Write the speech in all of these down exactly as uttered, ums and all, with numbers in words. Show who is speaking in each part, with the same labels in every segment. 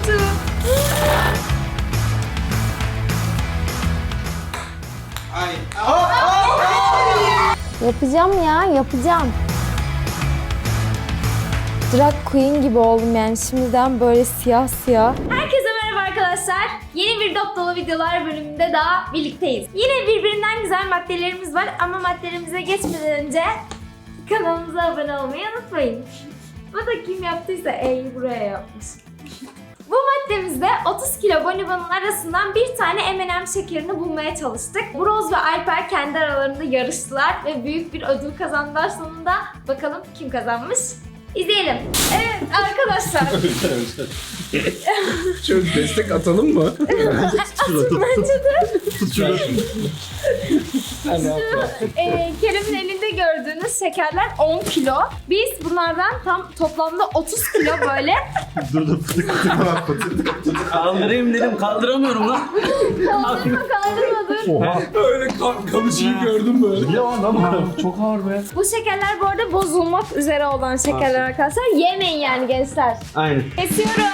Speaker 1: kötü.
Speaker 2: Ay.
Speaker 3: Yapacağım ya, yapacağım. Drag queen gibi oldum yani şimdiden böyle siyah siyah.
Speaker 1: Herkese merhaba arkadaşlar. Yeni bir dop dolu videolar bölümünde daha birlikteyiz. Yine birbirinden güzel maddelerimiz var ama maddelerimize geçmeden önce kanalımıza abone olmayı unutmayın. Bu da kim yaptıysa E'yi buraya yapmış. Bu maddemizde otuz kilo bonibonun arasından bir tane M and M şekerini bulmaya çalıştık. Broz ve Alper kendi aralarında yarıştılar ve büyük bir ödül kazandılar sonunda. Bakalım kim kazanmış? İzleyelim. Evet arkadaşlar.
Speaker 2: Şöyle destek atalım mı?
Speaker 1: Bence de.
Speaker 2: Tut şunu.
Speaker 1: Ee, Kerem'in elinde gördüğünüz şekerler on kilo. Biz bunlardan tam toplamda otuz kilo böyle.
Speaker 2: Dur dur fıtık fıtık falan fıtık.
Speaker 4: Kaldırayım dedim, kaldıramıyorum lan.
Speaker 1: Kaldırma kaldırma dur.
Speaker 2: Öyle kan, kamışıyı gördüm böyle.
Speaker 4: Ya lan çok ağır be.
Speaker 1: Bu şekerler bu arada bozulmak üzere olan şekerler arkadaşlar. Yemeyin yani gençler.
Speaker 4: Aynen.
Speaker 1: Kesiyorum.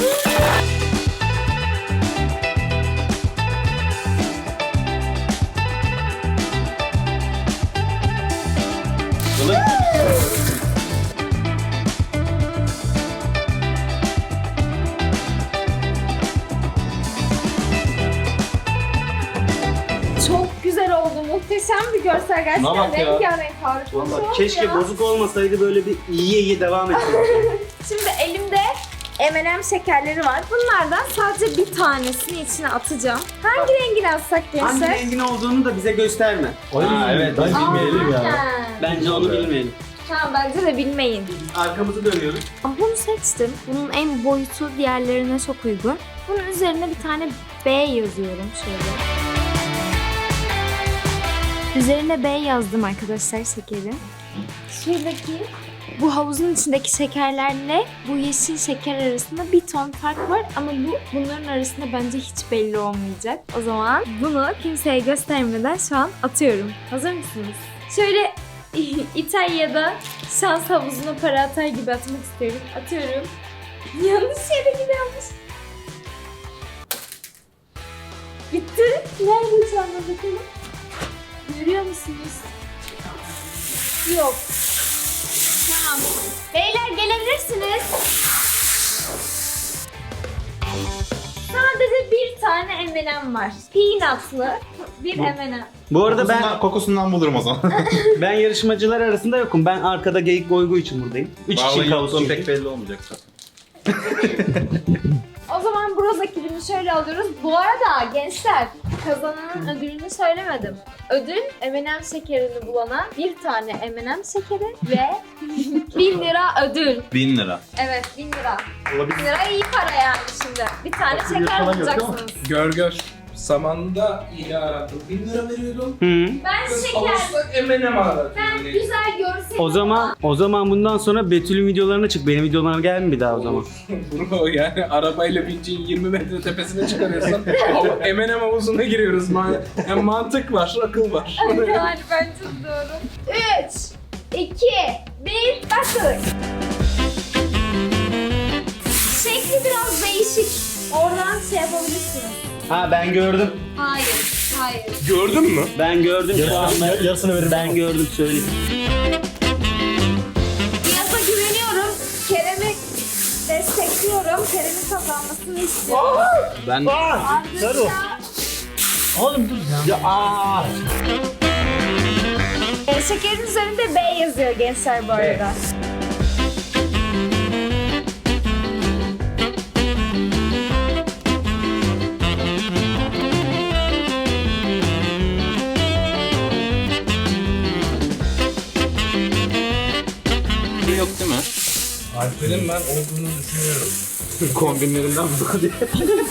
Speaker 1: Çok güzel oldu. Muhteşem bir görsel. Gerçekten
Speaker 4: bak ya.
Speaker 1: rengarenk harika.
Speaker 4: Vallahi
Speaker 1: Çok
Speaker 4: keşke
Speaker 1: ya.
Speaker 4: bozuk olmasaydı, böyle bir iyiye iyi devam etseydi.
Speaker 1: Şimdi elimde M and M şekerleri var. Bunlardan sadece bir tanesini içine atacağım. Hangi rengini atsak
Speaker 4: Hangi
Speaker 1: gençler?
Speaker 4: rengin olduğunu da bize gösterme.
Speaker 2: Aa, evet.
Speaker 4: Ben bilmeyelim ya.
Speaker 1: Aynen.
Speaker 4: Bence onu bilmeyelim.
Speaker 1: Tamam bence de bilmeyin.
Speaker 4: Arkamızı dönüyoruz.
Speaker 1: Aa, bunu seçtim. Bunun en boyutu diğerlerine çok uygun. Bunun üzerine bir tane B yazıyorum şöyle. Üzerine B yazdım arkadaşlar şekerin. Şuradaki bu havuzun içindeki şekerlerle bu yeşil şeker arasında bir ton fark var ama bu bunların arasında bence hiç belli olmayacak. O zaman bunu kimseye göstermeden şu an atıyorum. Hazır mısınız? Şöyle İtalya'da şans havuzuna para atar gibi atmak istiyorum. Atıyorum. Yanlış yere gidiyormuş. Bitti. Nerede şu anda bakalım? Görüyor musunuz? Yok. Tamam. Beyler gelebilirsiniz. Sadece bir tane M and M var. Peanutlı bir M and M.
Speaker 4: Bu arada ben
Speaker 2: Kokusundan, kokusundan bulurum o zaman.
Speaker 4: ben yarışmacılar arasında yokum. Ben arkada geyik goygu için buradayım. Üç kişi
Speaker 2: Vallahi
Speaker 4: kaldı
Speaker 2: yokluğum
Speaker 4: çünkü.
Speaker 2: pek belli olmayacak zaten.
Speaker 1: O zaman Broz ekibini şöyle alıyoruz. Bu arada gençler kazananın ödülünü söylemedim. Ödül M and M şekerini bulana bir tane M and M şekeri ve bin lira ödül.
Speaker 2: Bin lira.
Speaker 1: Evet bin lira.
Speaker 2: Olabilir.
Speaker 1: bin lira iyi para yani şimdi. Bir tane şeker bulacaksınız.
Speaker 2: Gör gör. Zamanında iyi aradım. Bin lira veriyordum.
Speaker 4: Hı.
Speaker 1: Ben şeker.
Speaker 2: Alırsak M and M aradım.
Speaker 1: Ben güzel görsel.
Speaker 4: O zaman o zaman bundan sonra Betül'ün videolarına çık. Benim videolarıma gelme bir daha o zaman.
Speaker 2: Bro yani arabayla bineceğin yirmi metre tepesine çıkarıyorsan M and M havuzuna giriyoruz. Man yani mantık var, akıl var.
Speaker 1: Yani bence doğru. üç, iki, bir, başladık. Şekli biraz değişik. Oradan şey yapabilirsiniz.
Speaker 4: Ha ben gördüm.
Speaker 1: Hayır, hayır.
Speaker 2: Gördün mü?
Speaker 4: Ben gördüm şu an. Ben,
Speaker 5: yarısını veririm.
Speaker 4: Ben gördüm söyleyeyim.
Speaker 1: Nihat'a güveniyorum. Kerem'i destekliyorum. Kerem'in kazanmasını istiyorum.
Speaker 2: Ben
Speaker 1: Ardınca
Speaker 5: Oğlum dur ya. Ya aa.
Speaker 1: e, şekerin üzerinde B yazıyor gençler bu arada.
Speaker 2: yok değil mi? Alper'in ben olduğunu düşünüyorum. Kombinlerinden bu diye.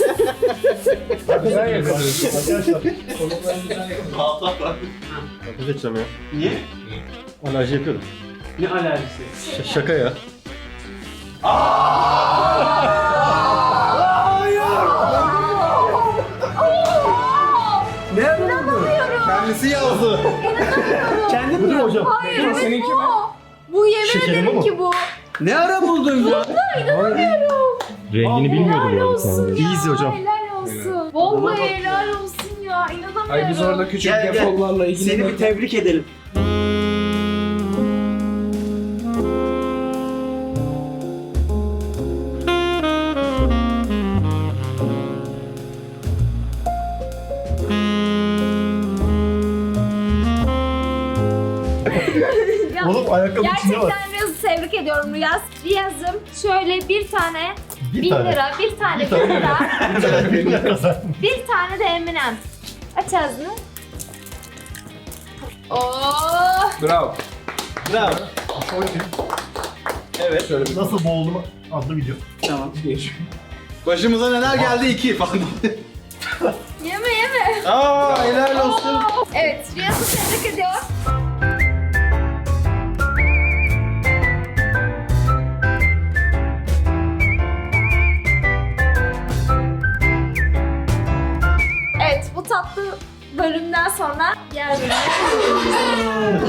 Speaker 2: Güzel yakalıyorsun.
Speaker 5: Arkadaşlar.
Speaker 2: Kolukları güzel yakalıyorsun.
Speaker 5: Kapı seçeceğim ya.
Speaker 4: Niye?
Speaker 5: Alerji yapıyorum.
Speaker 4: Ne alerjisi?
Speaker 5: Ş- şaka ya.
Speaker 4: Ne?
Speaker 1: İnanamıyorum.
Speaker 2: Kendisi yazdı.
Speaker 4: Kendi
Speaker 5: Bu değil mi hocam?
Speaker 1: Hayır, evet
Speaker 2: Seninki
Speaker 1: bu.
Speaker 2: mi?
Speaker 1: Bu yemin
Speaker 5: Şekerim
Speaker 1: ederim
Speaker 5: bu.
Speaker 1: ki bu.
Speaker 4: Ne ara buldun ya?
Speaker 1: İnanamıyorum.
Speaker 5: Rengini bilmiyordum
Speaker 1: Helal
Speaker 5: yani
Speaker 1: olsun
Speaker 5: kendisi.
Speaker 1: ya.
Speaker 5: Easy hocam.
Speaker 1: Helal olsun. Vallahi helal olsun ya. İnanamıyorum.
Speaker 2: Ay biz orada küçük
Speaker 4: Gel, gel.
Speaker 2: defollarla ilgili...
Speaker 4: Seni bir tebrik edelim.
Speaker 1: Ya,
Speaker 5: Oğlum ayakkabı içinde var.
Speaker 1: gerçekten Riyaz'ı tebrik ediyorum Riyaz. Riyaz'ım şöyle bir tane
Speaker 5: Bir
Speaker 1: bin
Speaker 5: tane.
Speaker 1: lira, bir tane
Speaker 5: Bir
Speaker 1: bin
Speaker 5: tane.
Speaker 1: lira, bir tane de M and M. Aç ağzını. Oh!
Speaker 2: Bravo.
Speaker 4: Bravo. Evet.
Speaker 2: Şöyle bir
Speaker 5: Nasıl boğuldum adlı video.
Speaker 4: Tamam.
Speaker 2: geç.
Speaker 6: Başımıza neler geldi iki falan.
Speaker 1: Yeme yeme.
Speaker 6: Aa helal olsun.
Speaker 1: Oh! Evet, Riyaz'ı tebrik ediyorum. Evet, bu tatlı bölümden sonra diğer bölüme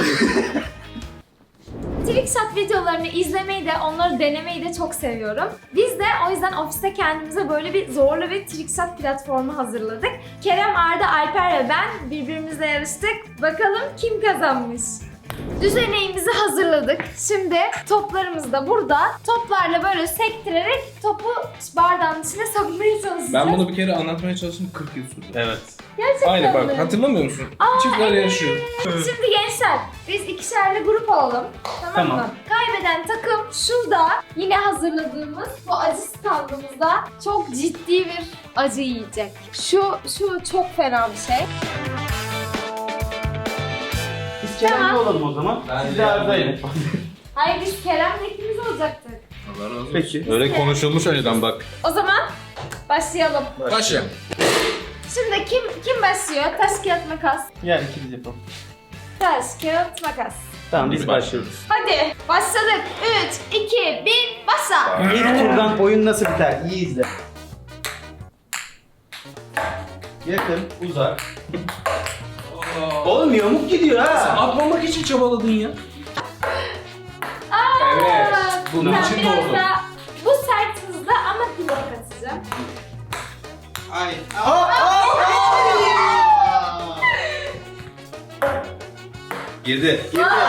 Speaker 1: Trickshot videolarını izlemeyi de onları denemeyi de çok seviyorum. Biz de o yüzden ofiste kendimize böyle bir zorlu bir Trickshot platformu hazırladık. Kerem, Arda, Alper ve ben birbirimizle yarıştık. Bakalım kim kazanmış? Düzeneğimizi hazırladık. Şimdi toplarımız da burada. Toplarla böyle sektirerek topu bardağın içine sokmaya çalışacağız.
Speaker 2: Ben bunu bir kere anlatmaya çalıştım, kırk yıl sürdü.
Speaker 4: Evet.
Speaker 1: Gerçekten
Speaker 2: Aynı bak,
Speaker 1: mi?
Speaker 2: hatırlamıyor musun?
Speaker 1: Aa,
Speaker 2: Çiftler
Speaker 1: evet.
Speaker 2: yaşıyor.
Speaker 1: Şimdi gençler, biz ikişerli grup olalım. Tamam,
Speaker 4: Tamam.
Speaker 1: mı? Kaybeden takım şurada yine hazırladığımız bu acı standımızda çok ciddi bir acı yiyecek. Şu şu çok fena bir şey.
Speaker 4: Biz Kerem'le
Speaker 1: Tamam.
Speaker 4: olalım o zaman.
Speaker 2: Ben
Speaker 4: Siz
Speaker 2: de
Speaker 4: de Arda'yla.
Speaker 1: Hayır, biz Kerem'le ikimiz olacaktık.
Speaker 2: Allah razı olsun.
Speaker 4: Peki.
Speaker 6: Öyle konuşulmuş önceden bak.
Speaker 1: O zaman başlayalım.
Speaker 2: Başla.
Speaker 1: Şimdi kim kim başlıyor? Taş kağıt makas.
Speaker 4: Gel ikimiz yapalım.
Speaker 1: Taş kağıt makas.
Speaker 4: Tamam biz başlıyoruz.
Speaker 1: Hadi başladık. üç, iki, bir, başla.
Speaker 4: İlk turdan oyun nasıl biter? İyi izle. Yakın, uzak. Oğlum yamuk gidiyor
Speaker 2: Sen
Speaker 4: ha.
Speaker 2: atmamak için çabaladın ya.
Speaker 1: Aa,
Speaker 2: Evet, bunun
Speaker 1: ben
Speaker 2: için
Speaker 1: biraz
Speaker 2: doğdum.
Speaker 1: daha- bu sert hızda ama dilek atacağım.
Speaker 6: Ay. Girdi.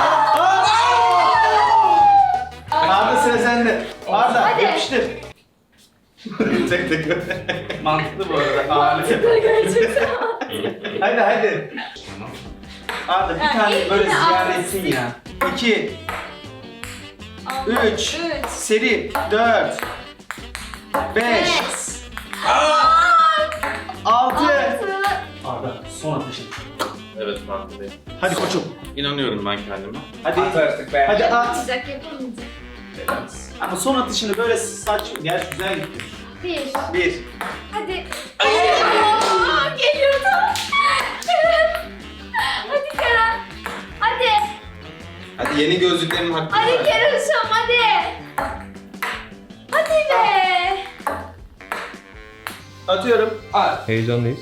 Speaker 4: Arda sıra sende. Arda
Speaker 1: Hadi.
Speaker 4: yapıştır.
Speaker 6: tek tek.
Speaker 4: Mantıklı bu arada. Ağırlık yap.
Speaker 1: Gerçekten.
Speaker 4: Hadi hadi. Arda bir
Speaker 1: Ha,
Speaker 4: tane
Speaker 1: elini
Speaker 4: böyle
Speaker 1: al.
Speaker 4: ziyade etsin ya. İki,
Speaker 1: Allah.
Speaker 4: üç,
Speaker 1: Üç.
Speaker 4: seri, dört, beş,
Speaker 1: Beş.
Speaker 4: altı.
Speaker 1: Altı.
Speaker 4: Arda son atışın.
Speaker 6: Evet farkındayım.
Speaker 4: Hadi koçum.
Speaker 6: İnanıyorum ben kendime.
Speaker 4: Hadi.
Speaker 2: At artık be.
Speaker 4: Hadi at.
Speaker 1: Yapamayacak, yapamayacak.
Speaker 4: Ama son atışını böyle saç... Gerçi güzel gitti.
Speaker 1: Bir.
Speaker 4: Bir.
Speaker 1: Hadi. Aa, geliyordu. Kerem. Hadi Kerem. Hadi.
Speaker 6: Hadi yeni gözlüklerimin hakkı
Speaker 1: Hadi
Speaker 6: var.
Speaker 1: Kerem'cim hadi. Hadi be.
Speaker 4: Atıyorum.
Speaker 2: At.
Speaker 5: Heyecanlıyız.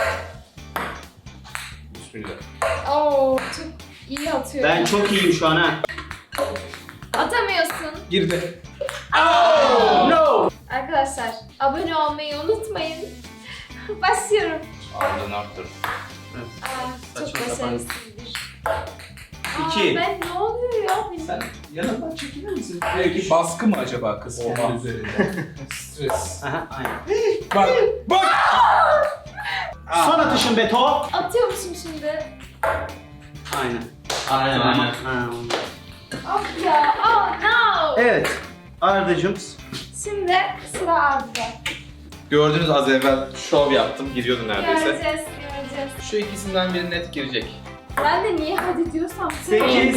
Speaker 2: Bismillah.
Speaker 1: Oo, çok iyi atıyor.
Speaker 4: Ben çok iyiyim şu an ha.
Speaker 1: Atamıyorsun.
Speaker 2: Girdi.
Speaker 4: No!
Speaker 1: Arkadaşlar abone olmayı unutmayın. Başlıyorum.
Speaker 2: Arda ne yaptın?
Speaker 1: Aa, çok
Speaker 4: Saçma sapan.
Speaker 1: başarısızdır.
Speaker 4: İki.
Speaker 1: Aa, ben ne oluyor ya? Benim-
Speaker 2: Sen yanından çekilir misin? Belki baskı mı acaba kız kendi üzerinde? Stres.
Speaker 4: Aha, aynen.
Speaker 2: Bak, bak!
Speaker 4: Son atışın Beto.
Speaker 1: Atıyormuşum şimdi.
Speaker 4: Aynen.
Speaker 6: Aynen aynen.
Speaker 4: Ha.
Speaker 1: Of ya. Oh no.
Speaker 4: Evet. Arda'cığım.
Speaker 1: Şimdi sıra Arda.
Speaker 6: Gördünüz az evvel şov yaptım. Giriyordu neredeyse.
Speaker 1: Göreceğiz, göreceğiz.
Speaker 6: Şu ikisinden biri net girecek.
Speaker 1: Ben de niye hadi diyorsam
Speaker 4: Sekiz.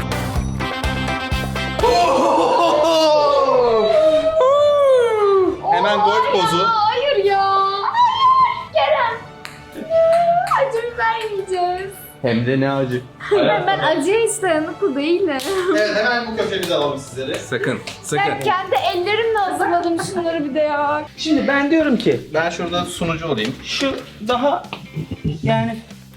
Speaker 6: Hemen
Speaker 1: Oo,
Speaker 6: gol
Speaker 1: ya,
Speaker 6: pozu.
Speaker 1: Hayır ya. Hayır. Kerem. Ya, acı biber yiyeceğiz.
Speaker 6: Hem de ne acı.
Speaker 1: Ben, ben acıya hiç dayanıklı değilim.
Speaker 6: Evet hemen bu köşemize alalım sizleri.
Speaker 2: Sakın,
Speaker 1: Ben
Speaker 2: sakın.
Speaker 1: kendi ellerimle hazırladım şunları bir de ya.
Speaker 4: Şimdi ben diyorum ki
Speaker 6: Ben şurada sunucu olayım.
Speaker 4: şu daha yani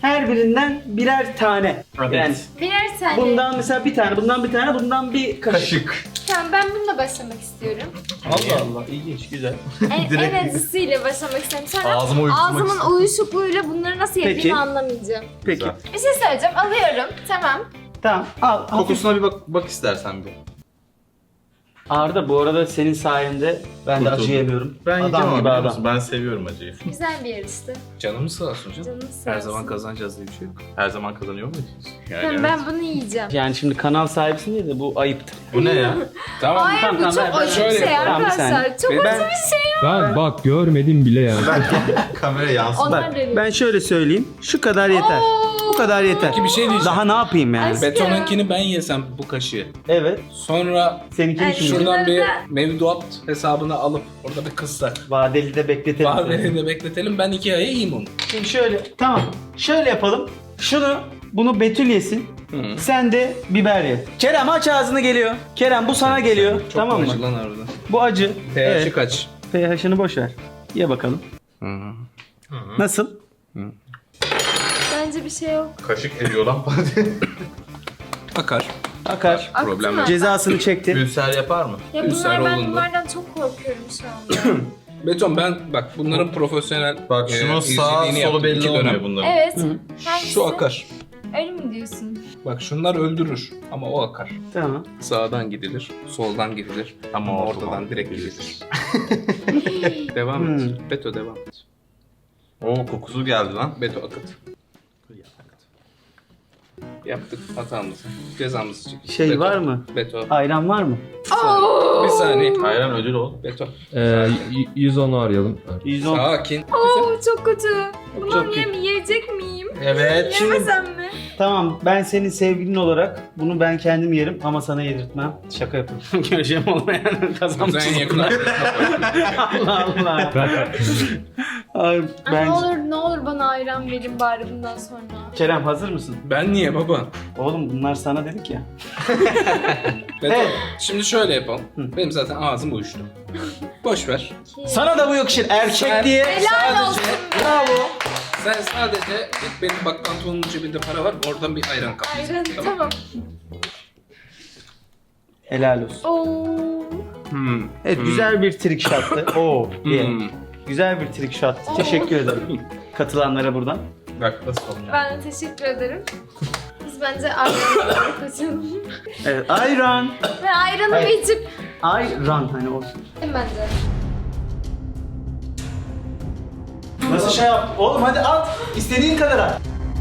Speaker 4: Her birinden birer tane.
Speaker 6: Evet.
Speaker 4: Yani
Speaker 1: Birer tane.
Speaker 4: bundan mesela bir tane, bundan bir tane, bundan bir kaşık.
Speaker 6: Kaşık.
Speaker 1: Tamam, ben bununla başlamak istiyorum.
Speaker 4: Allah Allah, ilginç, güzel.
Speaker 1: En,
Speaker 6: Direkt-
Speaker 1: en acısıyla başlamak istiyorum. Sonra
Speaker 6: Ağzıma uyuşturmak
Speaker 1: ağzımın
Speaker 6: istiyorum.
Speaker 1: uyuşukluğuyla bunları nasıl yediğimi
Speaker 4: Peki.
Speaker 1: anlamayacağım.
Speaker 4: Peki.
Speaker 6: Güzel.
Speaker 1: Bir şey söyleyeceğim. Alıyorum. Tamam.
Speaker 4: Tamam, al. Hafif.
Speaker 6: Kokusuna bir bak, bak istersen bir.
Speaker 4: Arda, bu arada senin sayende ben de
Speaker 6: Kurtuldum.
Speaker 4: acı yemiyorum.
Speaker 6: Ben yiyeceğim
Speaker 4: Adam
Speaker 6: ama
Speaker 4: gibi
Speaker 6: biliyor
Speaker 4: adam.
Speaker 6: musun? Ben seviyorum acıyı.
Speaker 1: Güzel bir yarıştı.
Speaker 2: Canımız sağ olsun canım.
Speaker 1: Canımız sağ
Speaker 2: Her
Speaker 1: olsun.
Speaker 2: zaman kazanacağız diye bir şey yok.
Speaker 6: Her zaman kazanıyor muyuz? Yani
Speaker 1: Tamam,
Speaker 6: evet.
Speaker 1: ben bunu yiyeceğim.
Speaker 4: Yani şimdi kanal sahibisin diye de bu ayıptır.
Speaker 6: Bu ne ya?
Speaker 2: Tamam.
Speaker 1: Hayır,
Speaker 4: tamam,
Speaker 1: bu
Speaker 4: tamam,
Speaker 1: çok
Speaker 4: ben-
Speaker 1: acı bir
Speaker 2: şöyle
Speaker 1: şey
Speaker 2: yapalım.
Speaker 4: Tamam, bir
Speaker 1: arkadaşlar.
Speaker 4: saniye.
Speaker 1: Çok
Speaker 4: Ben-
Speaker 1: acı bir şey.
Speaker 5: Ben bak görmedim bile ya.
Speaker 6: Kamera yansın.
Speaker 1: Onlar
Speaker 4: Bak,
Speaker 1: deniyor.
Speaker 4: ben şöyle söyleyeyim. Şu kadar yeter.
Speaker 1: Oo.
Speaker 4: Bu kadar yeter.
Speaker 2: Peki bir şey diyeceğim.
Speaker 4: Daha ne yapayım yani?
Speaker 1: Ay-
Speaker 2: Betonunkini ben yesem bu kaşığı.
Speaker 4: Evet.
Speaker 2: Sonra
Speaker 4: Seninkini
Speaker 1: Ay,
Speaker 4: şimdi
Speaker 1: şurada-
Speaker 2: şuradan bir
Speaker 1: Bunları da-
Speaker 2: mevduat hesabını alıp orada bir kıssak.
Speaker 4: vadeli de bekletelim.
Speaker 2: Bahveri de bekletelim. Ben iki aya yiyeyim onu.
Speaker 4: Şimdi şöyle, tamam. Şöyle yapalım. Şunu, bunu Betül yesin.
Speaker 2: Hı.
Speaker 4: Sen de biber ye. Kerem aç ağzını geliyor. Kerem bu sana geliyor.
Speaker 2: Çok
Speaker 4: tamam mı?
Speaker 2: acı lan harbiden.
Speaker 4: Bu acı.
Speaker 2: pH'i
Speaker 4: Evet.
Speaker 2: kaç?
Speaker 4: pH'ını boş ver. Ye bakalım. Nasıl?
Speaker 1: Bence bir şey yok.
Speaker 6: Kaşık eriyor lan.
Speaker 2: Akar.
Speaker 4: Akar.
Speaker 1: Aktı
Speaker 2: Problem
Speaker 1: mı?
Speaker 2: yok.
Speaker 4: Cezasını çekti.
Speaker 6: Ülser yapar mı?
Speaker 1: Ya
Speaker 2: Ülser
Speaker 1: bunlar, ben
Speaker 2: olundu.
Speaker 1: bunlardan çok korkuyorum şu anda.
Speaker 2: Beton ben bak bunların profesyonel
Speaker 6: Bak
Speaker 2: e,
Speaker 6: şunun sağ
Speaker 2: izlediğini
Speaker 6: solu
Speaker 2: yaptım iki
Speaker 6: belli olmuyor
Speaker 2: dönem.
Speaker 6: bunların.
Speaker 1: Evet. Hangisi?
Speaker 2: Şu akar.
Speaker 1: Öyle mi diyorsun?
Speaker 2: Bak şunlar öldürür ama o akar.
Speaker 4: Tamam.
Speaker 2: Sağdan gidilir, soldan gidilir
Speaker 6: Ama
Speaker 2: ama
Speaker 6: ortadan
Speaker 2: ortadan direkt
Speaker 6: gidilir.
Speaker 2: gidilir. Devam et.
Speaker 4: Hmm.
Speaker 2: Beto devam et.
Speaker 6: Oo kokusu geldi lan.
Speaker 2: Beto akıt. Yaptık hatamızı. Cezamızı çektik.
Speaker 4: Şey
Speaker 2: Beto,
Speaker 4: var mı?
Speaker 2: Beto.
Speaker 4: Ayran var mı?
Speaker 2: Bir saniye. Bir saniye.
Speaker 6: Hayran ödül ol.
Speaker 2: Beto.
Speaker 5: Ee, y- yüz onu arayalım.
Speaker 4: yüz on.
Speaker 2: Sakin.
Speaker 1: Oo, çok kötü. Bunu
Speaker 4: Çok kötü.
Speaker 1: yem yiyecek miyim?
Speaker 6: Evet.
Speaker 1: Yemesem mi?
Speaker 4: Tamam, ben senin sevgilin olarak bunu ben kendim yerim ama sana yedirtmem. Şaka yapıyorum. Göreceğim olmayan kazanmış.
Speaker 2: Sen en yakın
Speaker 4: Allah Allah. Ay,
Speaker 1: Ay,
Speaker 4: ben...
Speaker 1: ne olur ne olur bana ayran verin bari bundan sonra.
Speaker 4: Kerem hazır mısın?
Speaker 2: Ben niye baba?
Speaker 4: Oğlum bunlar sana dedik ya.
Speaker 2: Beto.
Speaker 4: Evet.
Speaker 2: Şimdi şöyle yapalım. Benim zaten ağzım uyuştu. Boş ver.
Speaker 4: Sana da bu yakışır erkek
Speaker 2: Sen-
Speaker 4: diye.
Speaker 1: Helal olsun.
Speaker 4: Bravo.
Speaker 2: Sen sadece git benim bak pantolonun cebinde para var oradan bir ayran kap.
Speaker 1: Ayran tamam.
Speaker 4: Helal olsun.
Speaker 1: Oo.
Speaker 2: Hmm.
Speaker 4: Evet güzel bir trick shot'tı. Oo diye.
Speaker 2: Hmm.
Speaker 4: Güzel bir trick shot. Teşekkür ederim. Katılanlara buradan.
Speaker 6: Bak nasıl olmuyor.
Speaker 1: Ben de teşekkür ederim. Biz bence ayranı kaçalım.
Speaker 4: Evet ayran.
Speaker 1: Ve ayranımı
Speaker 4: Hayır.
Speaker 1: içip
Speaker 4: Ayran hani olsun.
Speaker 1: bence.
Speaker 4: Nasıl şey yap? Oğlum hadi at. İstediğin kadar at.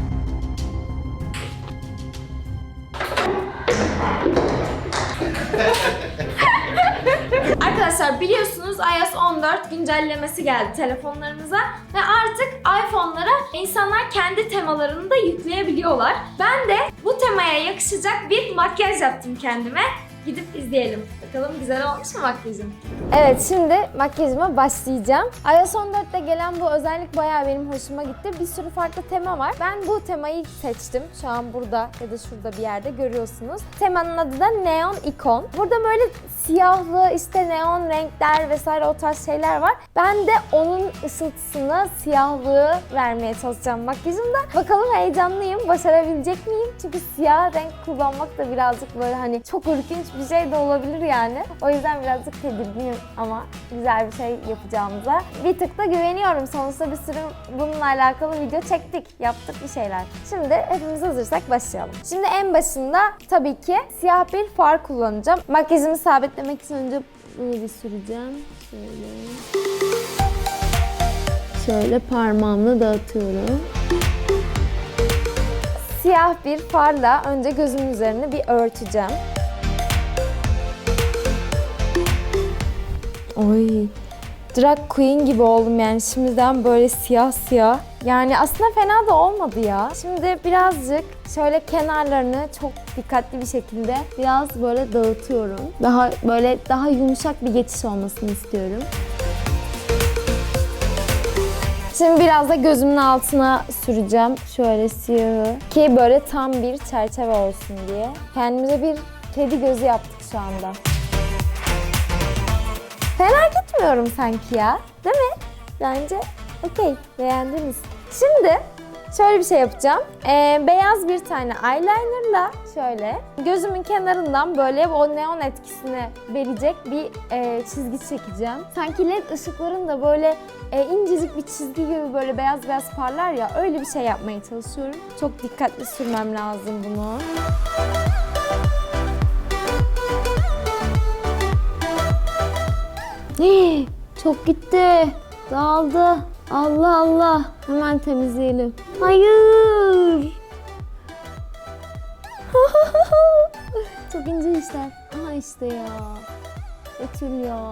Speaker 1: Arkadaşlar biliyorsunuz iOS on dört güncellemesi geldi telefonlarımıza ve artık iPhone'lara insanlar kendi temalarını da yükleyebiliyorlar. Ben de bu temaya yakışacak bir makyaj yaptım kendime. Gidip izleyelim. Bakalım güzel olmuş mu makyajım? Evet, şimdi makyajıma başlayacağım. iOS on dörtte gelen bu özellik bayağı benim hoşuma gitti. Bir sürü farklı tema var. Ben bu temayı seçtim. Şu an burada ya da şurada bir yerde görüyorsunuz. Temanın adı da Neon Icon. Burada böyle siyahlı, işte neon renkler vesaire o tarz şeyler var. Ben de onun ışıltısını, siyahlığı vermeye çalışacağım makyajımda. Bakalım heyecanlıyım. Başarabilecek miyim? Çünkü siyah renk kullanmak da birazcık böyle hani çok ürkünç bir şey de olabilir yani. O yüzden birazcık tedirginim ama güzel bir şey yapacağımıza bir tık da güveniyorum. Sonuçta bir sürü bununla alakalı video çektik, yaptık bir şeyler. Şimdi hepimiz hazırsak başlayalım. Şimdi en başında tabii ki siyah bir far kullanacağım. Makyajımı sabitlemek için önce bunu bir süreceğim. Şöyle. Şöyle parmağımla dağıtıyorum. Siyah bir farla önce gözümün üzerine bir örteceğim. Oy, drag queen gibi oldum yani şimdiden böyle siyah siyah. Yani aslında fena da olmadı ya. Şimdi birazcık şöyle kenarlarını çok dikkatli bir şekilde biraz böyle dağıtıyorum. Daha böyle daha yumuşak bir geçiş olmasını istiyorum. Şimdi biraz da gözümün altına süreceğim şöyle siyahı ki böyle tam bir çerçeve olsun diye. Kendimize bir kedi gözü yaptık şu anda. Fena gitmiyorum sanki ya, değil mi? Bence okey, beğendiniz. Şimdi
Speaker 3: şöyle bir şey yapacağım. Ee, beyaz bir tane eyelinerla şöyle gözümün kenarından böyle o neon etkisini verecek bir e, çizgi çekeceğim. Sanki led ışıkların da böyle e, incecik bir çizgi gibi böyle beyaz beyaz parlar ya, öyle bir şey yapmaya çalışıyorum. Çok dikkatli sürmem lazım bunu. Hii, çok gitti. Dağıldı. Allah Allah. Hemen temizleyelim. Hayır. Çok ince işler. Aha işte ya. Betül ya.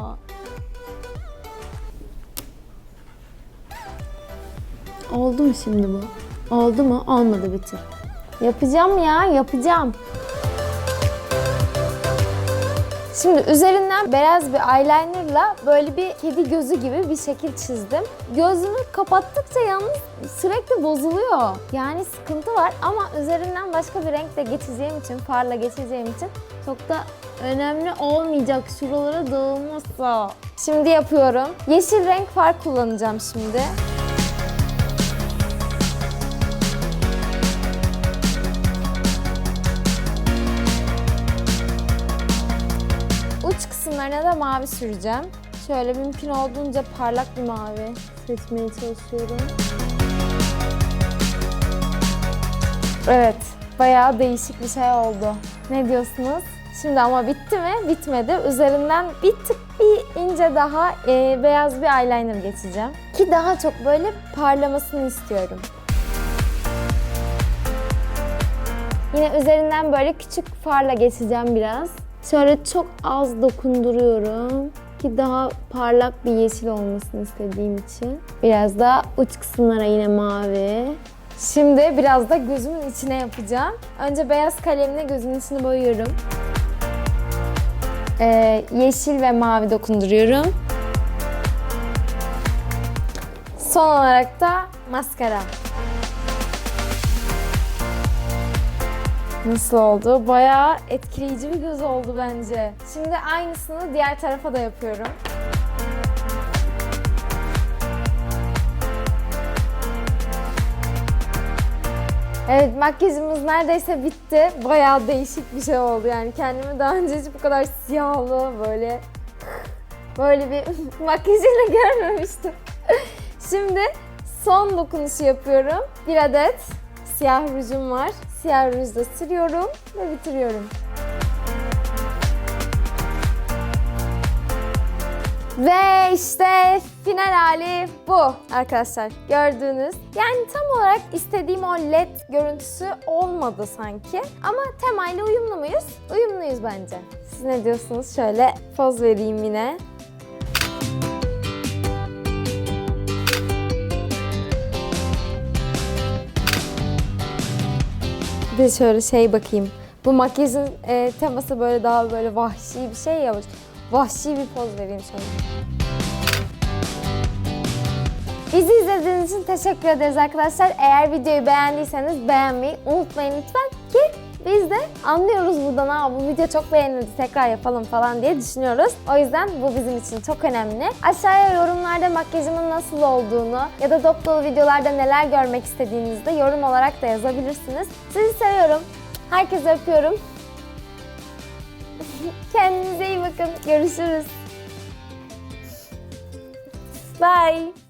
Speaker 3: Oldu mu şimdi bu? Oldu mu? Olmadı Betül. Yapacağım ya, yapacağım. Şimdi üzerinden beyaz bir eyelinerla böyle bir kedi gözü gibi bir şekil çizdim. Gözümü kapattıkça yalnız sürekli bozuluyor. Yani sıkıntı var ama üzerinden başka bir renkle geçeceğim için, farla geçeceğim için çok da önemli olmayacak şuralara dağılmazsa. Şimdi yapıyorum. Yeşil renk far kullanacağım şimdi. Uç kısımlarına da mavi süreceğim. Şöyle mümkün olduğunca parlak bir mavi seçmeye çalışıyorum. Evet, bayağı değişik bir şey oldu. Ne diyorsunuz? Şimdi ama bitti mi? Bitmedi. Üzerinden bir tık bir ince daha e, beyaz bir eyeliner geçeceğim. Ki daha çok böyle parlamasını istiyorum. Yine üzerinden böyle küçük farla geçeceğim biraz. Şöyle çok az dokunduruyorum ki daha parlak bir yeşil olmasını istediğim için. Biraz da uç kısımlara yine mavi. Şimdi biraz da gözümün içine yapacağım. Önce beyaz kalemle gözümün içini boyuyorum. Ee, yeşil ve mavi dokunduruyorum. Son olarak da maskara. Nasıl oldu? Bayağı etkileyici bir göz oldu bence. Şimdi aynısını diğer tarafa da yapıyorum. Evet, makyajımız neredeyse bitti. Bayağı değişik bir şey oldu yani. Kendimi daha önce hiç bu kadar siyahlı böyle böyle bir makyajıyla görmemiştim. Şimdi son dokunuşu yapıyorum. Bir adet siyah rujum var. Siyah rujla sürüyorum ve bitiriyorum. Ve işte final hali bu arkadaşlar. Gördüğünüz. Yani tam olarak istediğim o led görüntüsü olmadı sanki. Ama temayla uyumlu muyuz? Uyumluyuz bence. Siz ne diyorsunuz? Şöyle poz vereyim yine. Bir de şöyle şey bakayım. Bu makyajın e, teması böyle daha böyle vahşi bir şey ya. Vahşi bir poz vereyim şöyle. Bizi izlediğiniz için teşekkür ederiz arkadaşlar. Eğer videoyu beğendiyseniz beğenmeyi unutmayın lütfen ki biz de anlıyoruz buradan, ha bu video çok beğenildi tekrar yapalım falan diye düşünüyoruz. O yüzden bu bizim için çok önemli. Aşağıya yorumlarda makyajımın nasıl olduğunu ya da dop dolu videolarda neler görmek istediğinizi de yorum olarak da yazabilirsiniz. Sizi seviyorum. Herkese öpüyorum. Kendinize iyi bakın. Görüşürüz. Bye.